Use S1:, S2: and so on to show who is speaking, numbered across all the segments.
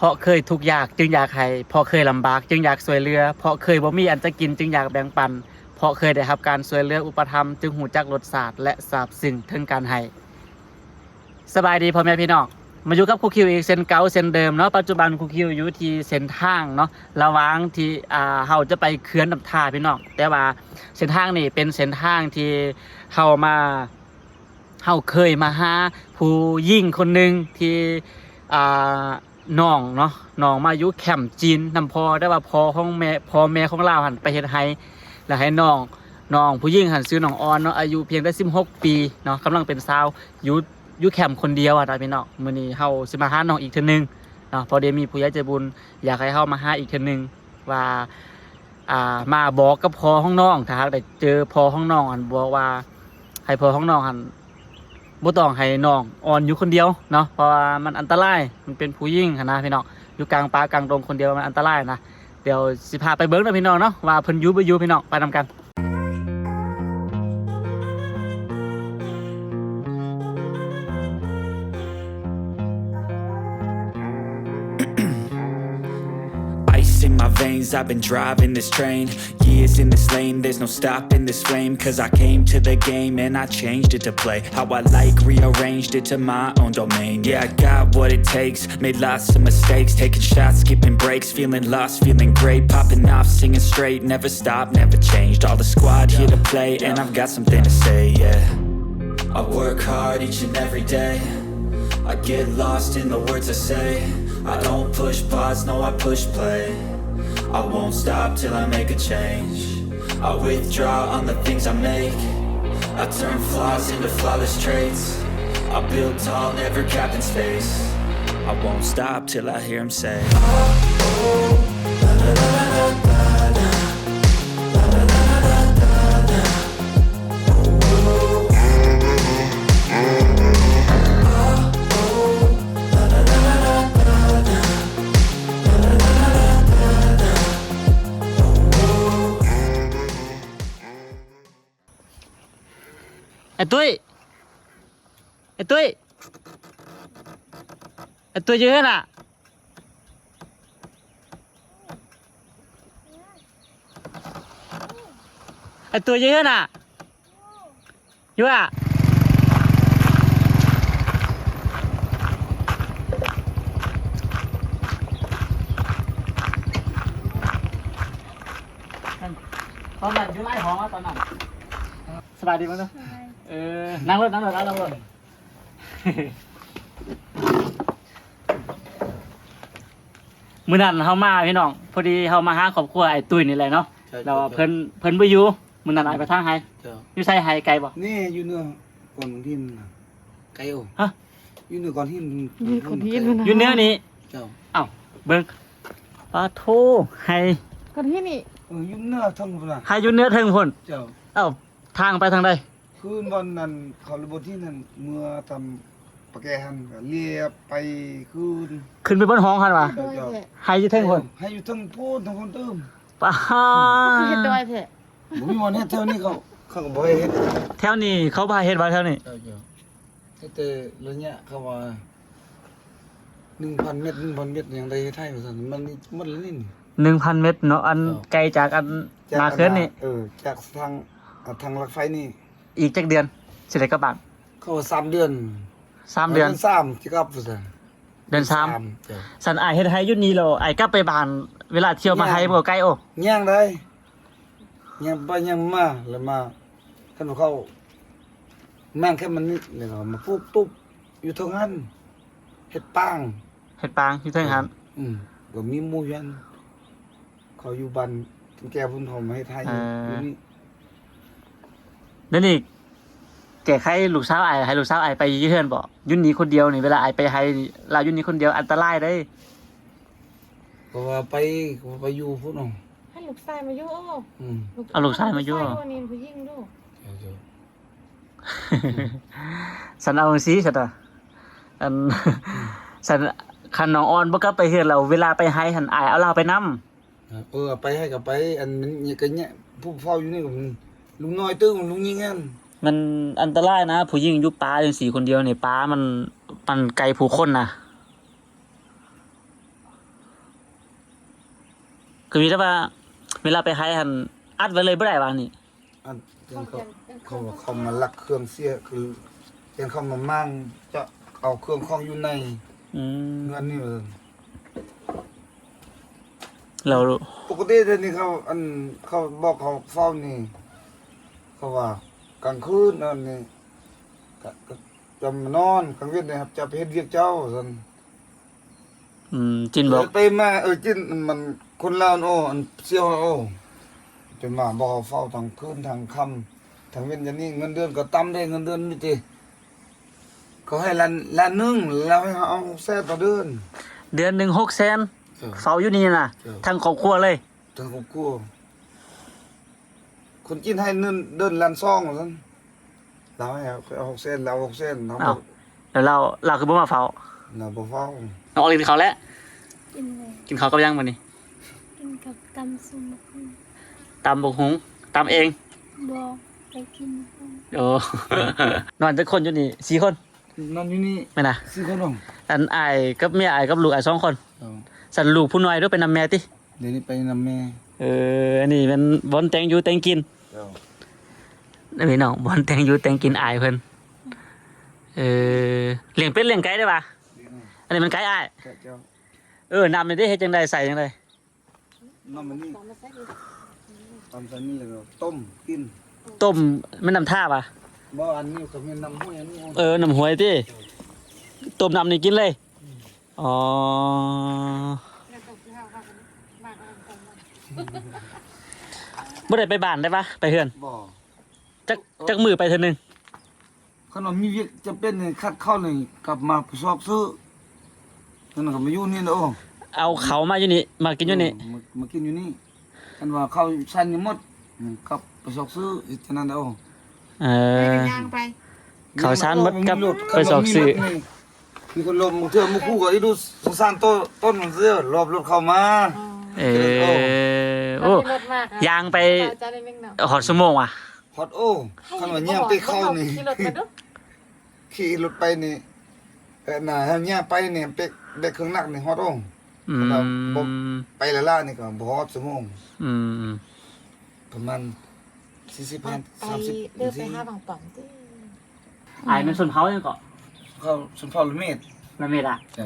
S1: ราะเคยทุกข์ยากจึงอยากให้เพราะเคยลำบากจึงอยากช่วยเหลือเพราะเคยบ่มีอันจะกินจึงอยากแบ่งปันเพราะเคยได้รับการช่วยเหลืออุปถัมภ์จึงหูจักรสชาติและซาบซึ้งถึงการให้สบายดีพ่อแม่พี่น้องมาอยู่กับครูคิวอีกเส้นเก่าเส้นเดิมเนาะปัจจุบันครูคิวอยู่ที่เส้นทางเนาะระหว่างที่เฮาจะไปเขื่อนน้ำท่าพี่น้องแต่ว่าเส้นทางนี่เป็นเส้นทางที่เฮาเคยมาหาผู้หญิงคนหนึ่งที่น้องเนาะน้องมาอยู่แคมป์จีนนำพอได้ว่าพ่อแม่ของเราหันไปเฮ็ดให้แล้วให้น้องผู้หญิงหันซื้อน้องออนเนาะอายุเพียงได้16 ปีเนาะกำลังเป็นสาวอยู่แคมป์คนเดียวพี่น้องมื้อนี้เฮาสิมาหาน้องอีกเทื่อนึงเนาะพอได้มีผู้ใหญ่ใจบุญอยากให้เฮามาหาอีกเทื่อนึงว่ามาบอกกับพ่อของน้องถ้าหากได้เจอพ่อของน้องอันบอกว่าให้พ่อของน้องหันบ่ต้องให้น้องอ่อนอยู่คนเดียวเนาะเพราะว่ามันอันตรายมันเป็นผู้หญิงนะพี่น้องอยู่กลางป่ากลางดงคนเดียวมันอันตรายนะเดี๋ยวสิพาไปเบิ่งนะพี่น้องเนาะว่าเพิ่นอยู่บ่อยู่พี่น้องไปนำกัน
S2: In my veins, I've been driving this train. Years in this lane, there's no stopping this flame. Cause I came to the game and I changed it to play how I like, rearranged it to my own domain. Yeah, I got what it takes, made lots of mistakes, taking shots, skipping breaks, feeling lost, feeling great, popping off, singing straight, never stopped, never changed. All the squad here to play, and I've got something to say, yeah. I work hard each and every day, I get lost in the words I say. I don't push pause, no, I push play. I won't stop till I make a change. I withdraw on the things I make. I turn flaws into flawless traits. I build tall, never capped in space. I won't stop till I hear him say, oh, oh, la la la la la la, la la la la la la, oh, oh, la la la la la la, la la la la la la.
S1: ไอ้ตุ้ยเยอะน่ะไอ้ตัวเยอะน่ะอยู่อ่ะตอนนั้นอยู่ไล่ของตอนนั้นสบายดีมั้ยเนาะนั่งรถมื้อนั้นเฮามาพี่น้องพอดีเฮามาหาครอบครัวไอ้ตุ้ยนี่แหละเนาะแล้วเพิ่นบ่อยู่มื้อนั้นอ้ายไปทางไห้อยู่ไสไห้ไกลบ่
S3: นี่อยู่เนื้อก่อนที่น่ะไกลโอ
S1: ฮะ
S3: อยู่เนื้อก่อนที่
S1: อยู่เนื้อนี้
S3: เจ้า
S1: อ้าวเบิ่งปาโทไห้
S4: ก่อนที่นี่
S3: อยู่เนื้อทั้งพุ่นน่ะ
S1: ไห้อยู่เนื้อเทิงพุ่น
S3: เจ้า
S1: อ้าวทางไปทางใด
S3: คืนวันนั้นเขาระบบที่นั่นเมื่อทำปะแกหันก็เลียไป
S1: ขึ้นไปบนห้องหั่นว่ะไห้อยู่เทิงพุ่น
S3: ให้อยู่ทั้งพูนทั้งคนเติม
S1: ป้า
S4: เฮ็ดดอยแท้
S3: บ่มีวันเฮ็ดแถวนี้เขาก็บ่ให้เฮ็ด
S1: แถวนี้เขาพาเฮ็ดว่าแถวนี้
S3: เจ้าแต่ระยะเขาว่า 1,000 เมตรอย่างใดไทยว่าซั่นมันแล้วนี่
S1: 1,000 เมตรเนาะอันไกลจากอันมาเขื่อนนี่
S3: จากทางรถไฟนี่
S1: อีกจักเดือนสิได้กลับบ้าน
S3: เขาว่า3 เดือน
S1: 3 เดือน
S3: 3สิกลับว่าซั่น
S1: เดือน3สันอ้ายเฮ็ดให้อยู่นี่แล้วอ้ายกลับไปบ้านเวลาเที่ยวมาไทยบ่ไกลโ
S3: ย่างได้ย่างไปย่างมาแล้วมาคันเขาแม่งแค่มันนี่แล้วก็มาปุ๊บตุ๊บอยู่ทางนั้นเฮ็ดปาง
S1: อยู่เทิงหัน
S3: ก็มีหมู่ยันเขาอยู่บ้านแก่พุ่นหอมให้ไทยอยู่นี่
S1: นั่นนี่แก่ใครลูกสาวอ้ายให้ลูกสาวอ้ายไปอยู่เฮือนบ่อยู่นี่คนเดียวนี่เวลาอ้ายไปให้ลาอยู่นี่คนเดียวอันตรายเด้
S3: เพราะว่าไปอยู่พุ่น
S4: ให้ลูกชายมาอยู่
S1: เอาลูกชายมาอยู่
S4: นี่ผู้หญิงดู
S1: สันเอาสิซะตาอันสันคันน้องออนบ่กลับไปเฮือนแล้วเวลาไปให้หันอ้ายเอาเราไปนำ
S3: ไปให้ก็ไปอันนี้ก็เนี่ยผู้เฝ้าอยู่นี่ก็ลุงน้อยตื้อลุงยิงกัน
S1: มันอันตรายนะผู้หญิงอยู่ป่าจังซี่คนเดียวนี่ป่ามันไกลผู้คนนะก็มีแต่ว่าเวลาไปหายหันอัดไว้เลยบ่ได้ว่านี่
S3: อันเขามาลักเครื่องเสียคือเห็นเขามามั่งจะเอาเครื่องของอยู่ใน
S1: อืม
S3: เงินนี่เออ
S1: เรา
S3: ปกติเดี๋ยวนี้เขาบอกเขาเฝ้านี่เขาว่ากลางคืนนั่นนี่ก็จะมานอนกลางเว้นนี่ครับจะไปเฮ็ดเวียกเจ้าซั่น
S1: จินบอก
S3: ไปมาจินมันคนลาวโอ้อันเสียวโอ้จะมาบอกเขาเฝ้าทางคืนทางค่ำทางเว้นอย่างนี้เงินเดือนก็ต่ำได้เงินเดือนนี่ติเขาให้ล้านหนึงแล้วให้เขาเอาแซ่ต่อเดือน
S1: เดือนหนึง600,000เฝ้าอยู่นี่น่ะ
S3: เออ
S1: ทั้งครอบครัวเลย
S3: ทั้งครอบครัวคนจีนให้เดินล้านซองซั่นเราให้เอา600,000เรา600,000เรา
S1: อ้าว แล้วเราคือบ่มาเฝ้า
S3: เราบ่เฝ้า
S1: น้องออกกินข้าวแล้ว
S5: กินเลย
S1: กินข้าวกับยังมื้อนี้
S5: กินกับตำซุมคุง
S1: ตำบักหุงตำเอง
S5: บอกไปกินคุง
S1: โอ้ นอนจักคนอยู่นี่4คน
S3: นั่นอยู่นี่
S1: แม่นน่ะ
S3: 4คนน้อง
S1: อันอ้ายกับเมียอ้ายกับลูกอ้าย2คนสั่นลูกผู้น้อยด้วยเป็นนำแม่ติ
S3: เดี๋ยวนี้ไปนำแม่
S1: อันนี้เป็นบอนแต่งอยู่แต่งกิน
S3: เจ้า
S1: นี่พี่น้องบอนแต่งอยู่แต่งกินอ้ายเพิ่นเลี้ยงเป็ดเลี้ยงไก่ได้ป่ะอันนี้มันไก่อ้าย
S3: แกะเจ้า
S1: น้ำนี่ได้เฮ็ดจังไดใส่จังได
S3: น้ำมันนี่
S4: ตามมาใส่อีก
S3: ตำใส่นี่แล้วก็ต้มกิน
S1: ต้มแม่น้ำท่าป่ะ
S3: บ่อันนี้ก็มีน้ำห้วยอันนี้
S1: น้ำหวยติต้มน้ำนี่กินเลยอ๋อ
S4: แล้วก็สิหาว่ากันมากกันกัน
S1: บ่ได้ไปบ้านได้ป่ะไปเฮือน
S3: บ่
S1: จักมือไปเทื่อนึง
S3: ขนมมีเวียกจะเป็นนี่คัดเข้านี่กลับมาสอบซื้อนั่นก็มาอยู่นี่เด้อ
S1: เอาเขามาอยู่นี่มากินอยู่นี่
S3: มากินอยู่นี่กันว่าเข้าสั้นนี่หมดกลับไปสอบซื้ออีกเท่านั้นเด้อ
S4: ไปกันย่างไป
S1: เขาชานหมดกับไปสอบซื้อ
S3: มีคนลมเทื่อมาคู่ก็อีดูสงสารต้นมันเสื้อรอบรถเข้ามา
S1: โอ้
S4: รถมาก
S1: ยางไป
S4: จะได้ไม่เหงา
S1: หอดชั่วโมงว่ะ
S3: ฮอตโอ้คันว่าย่างไปเข้านี่
S4: ขี่รถมาดู
S3: ขี่รถไปนี่น่ะเฮาย่างไปนี่ไปได้เครื่องหนักนี่ฮอตโอ้
S1: อื
S3: แล้ว
S1: ม
S3: ไปละล่านี่ก็บ่ฮอดชั่วโมง
S1: อืม
S3: ประมาณ40
S4: ไป
S3: 30
S4: เดินไปหาบางป่องติ
S1: ไอ้เป็นส่วนเผายังเกาะ
S3: เข้าสุนทรละเมตร
S1: ละเมดอ่ะ
S3: เจ้า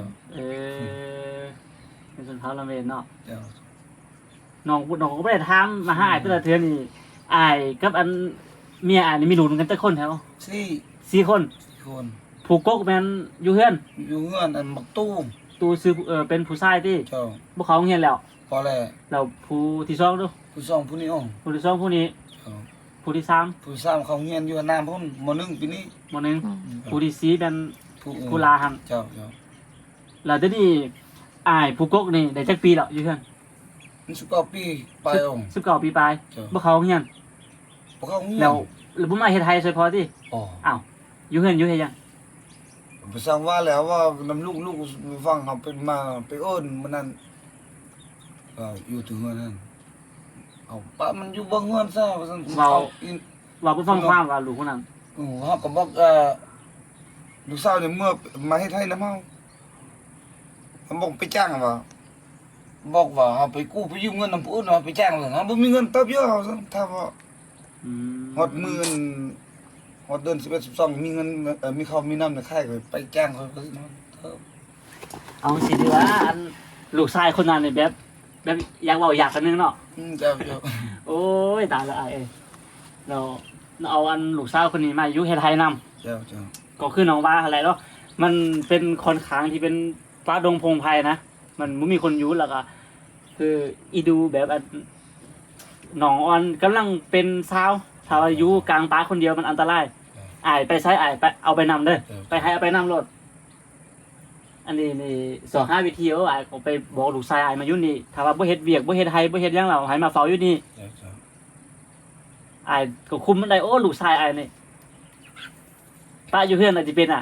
S1: เป็นส่วนเผาละเมดเนาะ
S3: เจ้า
S1: น้องก็ไม่ได้ถามมาหาไอ้แต่ละเทือนี่ไอ้กับอันเมียไอ้นี่มีลูกกันแต่คนแถว 4 คน
S3: คน
S1: ผูกกกแม่นอยู่เฮือน
S3: อยู่เงื่อนอันมักตู้
S1: ตูซื้อเป็นผู้ชายที่
S3: เจ้า
S1: พวกเขาเฮียนแล้ว
S3: พอแล้ว
S1: เราผู้ที่สองดู
S3: ผู้สองผู้นี้อ้อ
S1: ผู้ที่สองผู้นี้
S3: เจ้า
S1: ผู้ที่สาม
S3: ผู้สามเขาเฮียนอยู่น้ำพุ่นมหนึ่งปีนี้
S1: หมดหนึงผู้ที่สี่เป็น ผู้ลาหัน
S3: เจ้าเจ้า
S1: แล้วทีนี้อ้ายผูกกกนี่ได้จักปีแล้วอยู่เฮือน
S3: มัน19 ปีไปอ่อ
S1: 19 ปีปลาย
S3: เจ้า
S1: พวกเขาเฮียน
S3: พวกเขาเฮียน
S1: แล้วบ่มาเฮ็ดไทยซอยพอติ
S3: อ๋อ
S1: อ้าวอยู่เฮือนอยู่เฮ็ดหยัง
S3: ไปสร้างว่าแล้วว่าน้ำลูกฟังเขาเป็นมาไปเอิ้นมันนั่นก็อยู่ถึงเฮือนนั่นเอาปะมันอยู่บ่เฮือนซะว่าซั่นอิน
S1: ว่าบ่ฟังความว่าลูกคนนั้น
S3: เฮาก็บอกลูกสาวเนี่ยเมื่อมาเฮ็ดให้นำเฮาเขาบอกไปจ้างว่าบอกว่าเฮาไปกู้ไปยืมเงินนำผู้อื่นว่าไปจ้างว่าเฮาบ่มีเงินตอบเยอะเฮาซั่นถ้าว่า
S1: อืม
S3: ฮอดมื้อฮอดเดือน11 12มีเงินมีข้าวมีน้ำในค่ายก็ไปจ้างเขาก็สิเนาะ
S1: เอาสิดีว่าอันลูกชายคนนั้นนี่แบบอยากเว้าอยากกันนึงเนาะ
S3: เจ้าเจ้า
S1: โอ้ยตายละอ้ายเอ้ยเราเอาอันลูกสาวคนนี้มาอยู่เฮ็ดไทยนำ
S3: เจ้าเจ้า
S1: ก็คือน้องว่าอะไรเนาะมันเป็นค่อนข้างที่เป็นป่าดงพงไพรนะมันบ่มีคนอยู่แล้วก็คืออีดูแบบอันน้องออนกำลังเป็นสาวถ้าว่าอยู่กลางป่าคนเดียวมันอันตรายอ้ายไปใช้อ้ายไปเอาไปนำเด้อไปให้เอาไปนำรถอันนี้นี่25วิธีอ้ายก็ไปบอกลูกชายอ้ายมาอยู่นี่ถ้าว่าบ่เฮ็ดเวียกบ่เฮ็ดไห้บ่เฮ็ดหยังแล้วให้มาเฝ้าอยู่นี่
S3: เจ้าเจ้า
S1: อ้ายก็คุมมันได้โอ้ลูกชายอ้ายนี่ป้าอยู่เฮือนอาจสิเป็น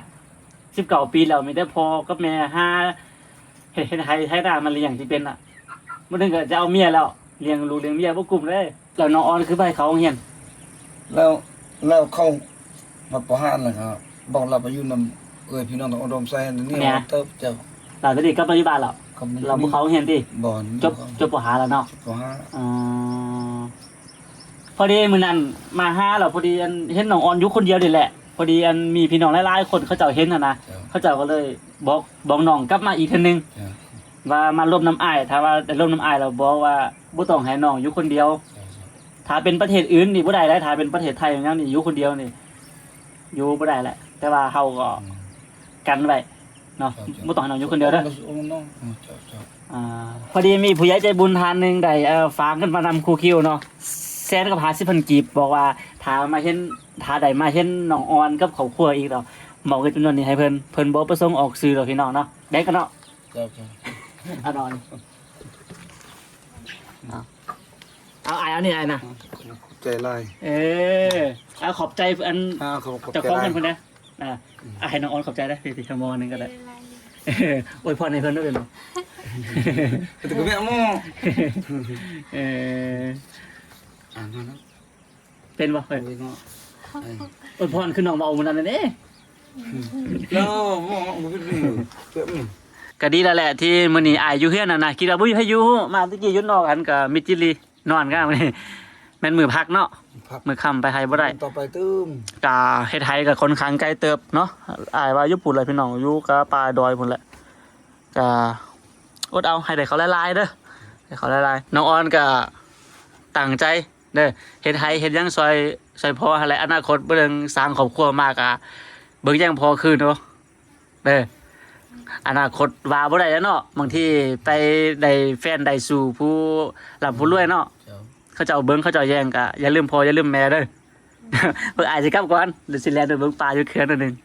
S1: 19 ปีแล้วมีแต่พ่อกับแม่หาเฮ็ดให้หน้ามันเลี้ยงสิเป็นบ่ถึงก็จะเอาเมียแล้วเลี้ยงลูกเลี้ยงเมียบ่กลุ่มเลยแล้วน้องออนคือไปเขาโรงเรียน
S3: แล้วเขามาประหารแล้วครับบอกเราไปอยู่นำพี่น้องต้องอุดมใส่นี่เติบเจ้า
S1: หลังจากนี้กลับมาอยู่บ้านแล้ว
S3: เก็มัน
S1: เราบ่เขาเรียนติ
S3: บ่อน
S1: จบปหาแล้วเนาะ
S3: บ่ฮะ
S1: อ๋อพอดีมื้อนั้นมาหาแล้วพอดีอันเห็นน้องออนอยู่คนเดียวนี่แหละพอดีอันมีพี่น้องหลายๆคนเขาเจ้าเห็นน่ะนะ
S3: เจ้า
S1: เขาเจ้าก็เลยบอกน้องกลับมาอีกเทื่อนึง
S3: เจ้า
S1: ว่ามาร่วมน้ำอ้ายถ้าว่าได้ร่วมน้ำอ้ายแล้วบอกว่าบ่ต้องให้น้องอยู่คนเดียว
S3: เจ้า
S1: ถ้าเป็นประเทศอื่นนี่บ่ได้แล้วถ้าเป็นประเทศไทยอย่างนั้นนี่อยู่คนเดียวนี่อยู่บ่ได้แหละแต่ว่าเฮาก็กันไว้เนาะบ่ต้องให้น้องอยู่คนเดียวเด้อ
S3: โอ้น้องเจ้า
S1: พอดีมีผู้ใหญ่ใจบุญทานหนึงได้ฝากเงินมานำครูคิวเนาะแสนกับ50,000กีบบอกว่าถ้ามาเห็นถ้าได้มาเห็นน้องออนกับครอบครัวอีกแล้วหมอกเงินจำนวนนี้ให้เพิ่นบ่ประสงค์ออกสื่อดอกพี่น้องเนาะได้กันเนาะ
S3: เจ้า
S1: เอานอนเอาอ้ายเอานี่อ้ายนะ
S3: ใจลาย
S1: เอาขอบใจอัน
S3: ขอบ
S1: เจะคล้าของเพิ่นนะให้น้องออนขอบใจได้สิชั่วโมงนึงก็ได้อวยพรให้เพิ่นด้วยเนาะ
S3: แต่ก็แม่หมอ อ่านมาแล้ว
S1: เป็นบ่เพิ่น
S3: โอ้ยเนาะ
S1: อวยพรคือน้องมาเอามื้อนั้นนั่นเด้
S3: แล้วหมอบ่เป็นนี่เจ็บนี่
S1: ก็ดีแล้วแหละที่มื้อนี้อายอยู่เฮือนน่ะนะคิดว่าบ่มีใครอยู่มาตะกี้อยู่นอกกันก็มิจิลีนอนกันมื้อนี้แม่นมื้อพักเนาะ
S3: พัก
S1: มื้อค่ำไปไผบ่ได้
S3: ต่อไปตื้ม
S1: กาเฮ็ดไทยกับคนค้างไกลเติบเนาะอายว่าอยู่ปุ่นเลยพี่น้องอยู่กับป่าดอยพุ่นแหละกาอดเอาให้ได้เขาหลายๆเด้อให้เขาหลายๆน้องออนก็ตั้งใจเด้อเฮ็ดไทยเฮ็ดหยังซอยพ่อหั่นแหละอนาคตเบิ่งสร้างครอบครัวมากอ่ะเบิ่งหยังพอคืนเนาะเด้ออนาคตว่าบ่ได้แล้วเนาะบางทีไปได้แฟนได้สู่ผู้ร่ำผู้รวยเนาะ
S3: เจ้า
S1: เขาเจ้าเบิ่งเขาเจ้าแย่งก็อย่าลืมพ่ออย่าลืมแม่เด้อ เพิ่นอาจสิกลับก่อนเดี๋ยวสิแลนไปเบิ่งปลาอยู่เขื่อนอันหนึง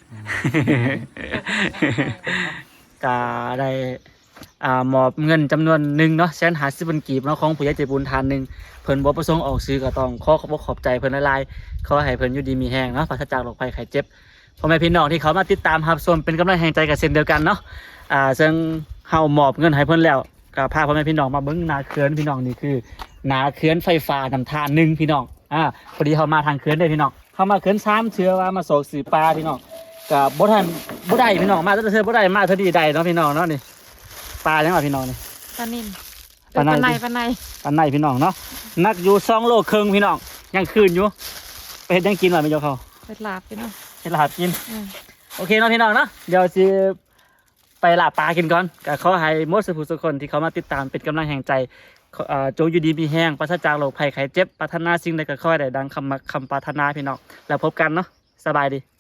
S1: ก็ได้มอบเงินจำนวนหนึ่งเนาะ150,000กีบเนาะของผู้ใหญ่ใจบุญทานหนึงเพิ่นบ่ประสงค์ออกซื้อก็ต้องขอขอบใจเพิ่นหลายๆขอให้เพิ่นอยู่ดีมีแรงเนาะปราศจากโรคภัยไข้เจ็บพ่อแม่พี่น้องที่เขามาติดตามรับชมเป็นกำลังแห่งใจกันเช่นเดียวกันเนาะซึ่งเฮามอบเงินให้เพิ่นแล้วก็พาพ่อแม่พี่น้องมาเบิ่งนาเขื่อนพี่น้องนี่คือนาเขื่อนไฟฟ้าน้ำทานหนึ่งพี่น้องพอดีเฮามาทางเขื่อนเด้อพี่น้องเฮามาเขื่อน3เทื่อว่ามาโศกสื่อปลาพี่น้องก็บ่ทันบ่ได้พี่น้องมาแต่เทื่อบ่ได้มาเทื่อดีได้เนาะพี่น้องเนาะนี่ปลาจังว่าพี่น้องนี่
S4: ปลานิ่ม
S1: ปลาใน
S4: ปลาใน
S1: ปานในพี่น้องเนาะนักอยู่2โลครึ่งพี่น้องยังคืนอยู่ไปเฮ็ดหยังกินว่าไม่ยกเขา
S4: เป็ดลาบพี่น้อง
S1: เฮ็ดลาบกินโอเคเนาะพี่น้องเนาะเดี๋ยวสิไปลาบปลากินก่อนก็ขอให้หมดสุขคนที่เขามาติดตามเป็นกำลังแห่งใจจงอยู่ดีมีแห้งปราศจากโรคภัยไข้เจ็บปรารถนาสิ่งใดก็ขอให้ได้ดังคำปรารถนาพี่น้องแล้วพบกันเนาะสบายดี